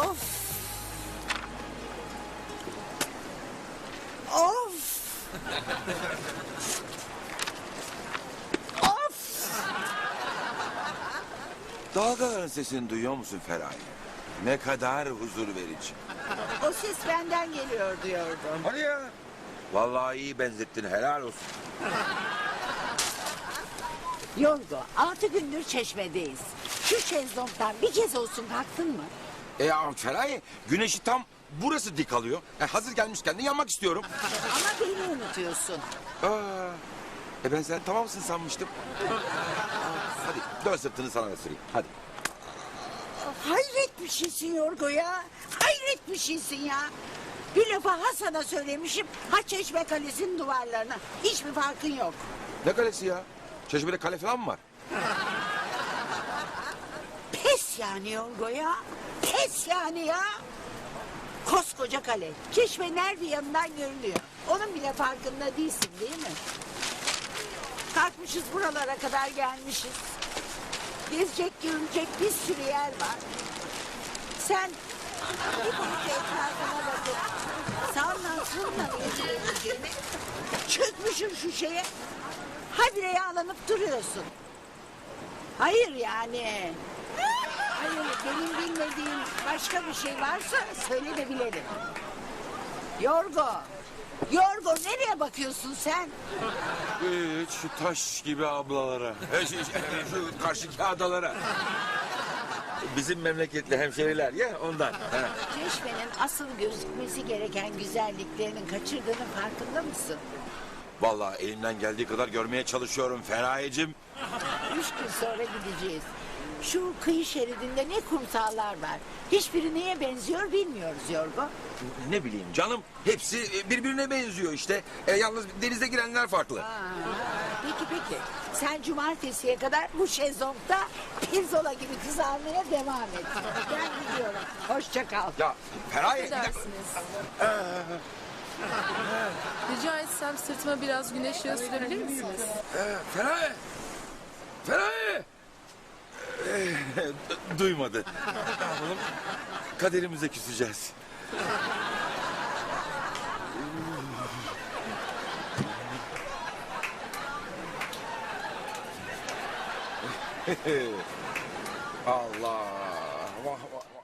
Of. Of. Of. Dalgaların sesini duyuyor musun Feraye? Ne kadar huzur verici. O ses benden geliyor diyordum. Hadi ya. Vallahi iyi benzettin, helal olsun. Yorgo, 6 gündür Çeşme'deyiz. Şu şezlongdan bir kez olsun kalktın mı? Ya Feraye, güneşi tam burası dik alıyor. Hazır gelmişken de yanmak istiyorum. Ama beni unutuyorsun. Ben sen tamamsın sanmıştım. Hadi dön sırtını sana da süreyim. Hadi. Hayret bir şeysin Yorgo ya. Hayret bir şeysin ya. Bir lafa Hasan'a söylemişim. Ha Çeşme Kalesi'nin duvarlarına. Hiçbir farkın yok. Ne kalesi ya? Çeşmede kale falan mı var? Pes yani Yorgo ya. Pes yani ya. Koskoca kale. Çeşmenin her bir yanından görünüyor. Onun bile farkında değilsin değil mi? Kalkmışız buralara kadar gelmişiz. Gezecek görülecek bir sürü yer var. Sen bir parça etrafına bakıp sağından solundan geçirebileceğini çökmüşüm şu şeye. Habire yağlanıp duruyorsun. Hayır yani. Hayır benim bilmediğim başka bir şey varsa söyle de bilelim. Yorgo. Yorgo nereye bakıyorsun sen? Hiç şu taş gibi ablalara. Şu karşıki adalara. Bizim memleketli hemşeriler ya ondan. Çeşmenin asıl gözükmesi gereken güzelliklerinin kaçırdığının farkında mısın? Vallahi elimden geldiği kadar görmeye çalışıyorum Feraye'cim. 3 gün sonra gideceğiz. Şu kıyı şeridinde ne kumsallar var. Hiçbiri neye benziyor bilmiyoruz Yorgo. Ne bileyim canım, hepsi birbirine benziyor işte. Yalnız denize girenler farklı. Peki. Sen cumartesiye kadar bu şezlongda pirzola gibi kızarmaya devam et. Ben gidiyorum. Hoşça kal. Ya Feraye... bir dakika. Affedersiniz. Rica etsem sırtıma biraz güneş yağı sürebilir misiniz? Feraye! Feraye! Duymadı. Ne yapalım? Kaderimize küseceğiz. Allah! Vah vah vah!